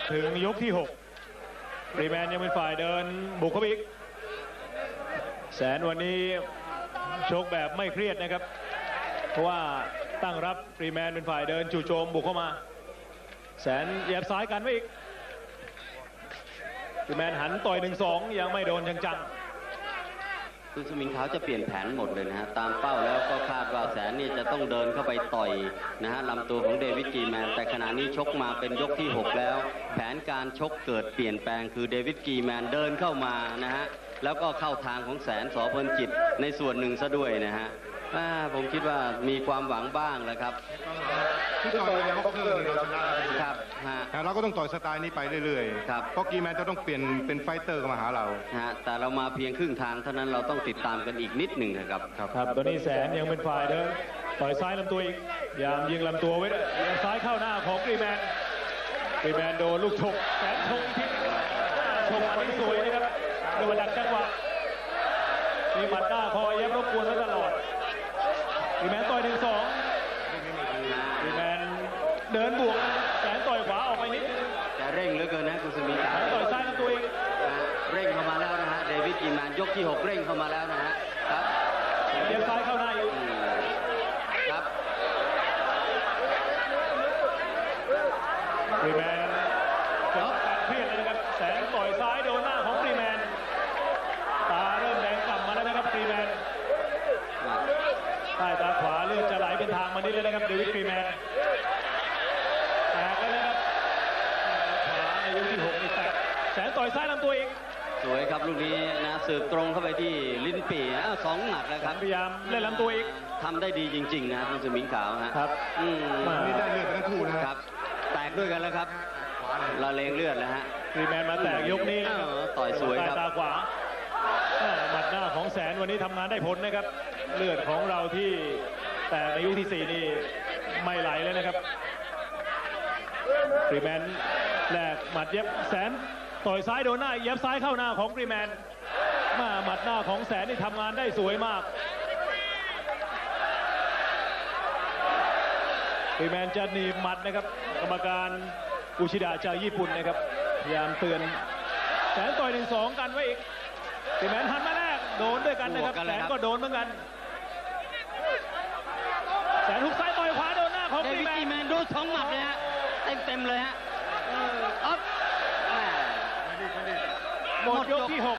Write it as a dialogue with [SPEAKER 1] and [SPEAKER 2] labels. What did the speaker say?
[SPEAKER 1] ถึงยกที่6ฟรีแมนยังเป็นฝ่ายเดินบุกเข้าไปอีกแสนวันนี้ชกแบบไม่เครียดนะครับเพราะว่าตั้งรับฟรีแมนเป็นฝ่ายเดินจู่โจมบุกเข้ามาแสนเหยียบซ้ายกันไว้อีกฟรีแมนหันต่อย 1-2 ยังไม่โดนจัง
[SPEAKER 2] คุณสมิงขาวจะเปลี่ยนแผนหมดเลยนะฮะตามเป้าแล้วก็คาดว่าแสนนี่จะต้องเดินเข้าไปต่อยนะฮะลำตัวของเดวิดกีแมนแต่ขณะนี้ชกมาเป็นยกที่6แล้วแผนการชกเกิดเปลี่ยนแปลงคือเดวิดกีแมนเดินเข้ามานะฮะแล้วก็เข้าทางของแสนสอพลจิตในส่วนหนึ่งซะด้วยนะฮะผมคิดว่ามีความหวังบ้างแล้วครับ
[SPEAKER 3] ที่ต่อยบ็อกเซอร์เราชนะครับเราก็ต้องต่อยสไตล์นี้ไปเรื่อยๆ
[SPEAKER 2] ครับ
[SPEAKER 3] เพราะกีแมนจะต้องเปลี่ยนเป็นไฟเตอร์มาหาเรา
[SPEAKER 2] แต่เรามาเพียงครึ่งทางเท่านั้นเราต้องติดตามกันอีกนิดหนึ่งนะครับ
[SPEAKER 1] ครับตอนนี้แสนยังเป็นฝ่ายเดินต่อยซ้ายลำตัวอีกยามยิงลำตัวไว้ยิงซ้ายเข้าหน้าของกรีแมนโดนลูกฉกแสนชงทิศชงอันนี้สวยนะครับโดนดักจังหวะมีหมัดหน้าคอยเย็บรบกวนไว้ตลอดกรีแมนต่อย 1-2กรีแมนเดินบวกแสนต่อยขวาออกไปนิด
[SPEAKER 2] แต่เร่งเหลือเกินนะคุณสมิงขาว
[SPEAKER 1] ต่อยซ้ายลำตัวเอง
[SPEAKER 2] เร่งเข้ามาแล้วนะฮะเดวิดกีแมนยกที่6เร่งเข้ามาแล้วนะฮะครับ
[SPEAKER 1] เลี้ยงซ้ายเข้าหน้าอยู่
[SPEAKER 2] ครับ
[SPEAKER 1] กรีแมนการเครียดเลยนะครับแสนต่อยซ้ายโดนหน้าของกรีแมนตาเริ่มแดงกลับมาแล้วนะครับกรีแมนใต้ตาขวาเลือดจะไหลเป็นทางมานิดเลยนะครับเดวิดกรีแมนแตกแล้วนะครับขวาในยกที่6นี่แตกแสนต่อยซ้ายลำตัวเอง
[SPEAKER 2] สวยครับลูกนี้นะสืบตรงเข้าไปที่ลิ้นปี่2 หมัดแล้วครับ
[SPEAKER 1] พยายามเล่นลำตัวอีก
[SPEAKER 2] ทำได้ดีจริงๆนะคุณสมิงขาว
[SPEAKER 1] ครับ
[SPEAKER 3] นี่ได้เลือดทั้งคู่นะครับ
[SPEAKER 2] แตกด้วยกันแล้วครับละเลงเลือดแล้วฮะ
[SPEAKER 1] กรีแมนมาแตกยกนี้
[SPEAKER 2] ต่อยสวยครับ
[SPEAKER 1] ตาขวาหมัดหน้าของแสนวันนี้ทำงานได้ผลนะครับเลือดของเราที่แต่ในยกที่4นี่ไม่ไหลเลยนะครับกรีแมนแลกหมัดเย็บแสนต่อยซ้ายโดนหน้าเย็บซ้ายเข้าหน้าของกรีแมนหมัดหน้าของแสนนี่ทำงานได้สวยมากกรีแมนจะหนีบหมัดนะครับกรรมการอุชิดะจากญี่ปุ่นนะครับพยายามเตือนแสนต่อย 1-2กันไว้อีกกรีแมนหันมาแรกโดนด้วยกันนะครับแสนก็โดนเหมือนกันแสนหุกซ้ายต่อยขวาโดนหน้าของกรีแมน
[SPEAKER 2] โดน2 หมัดเลยฮะเต็มเลยฮะ
[SPEAKER 1] หมดยกที่6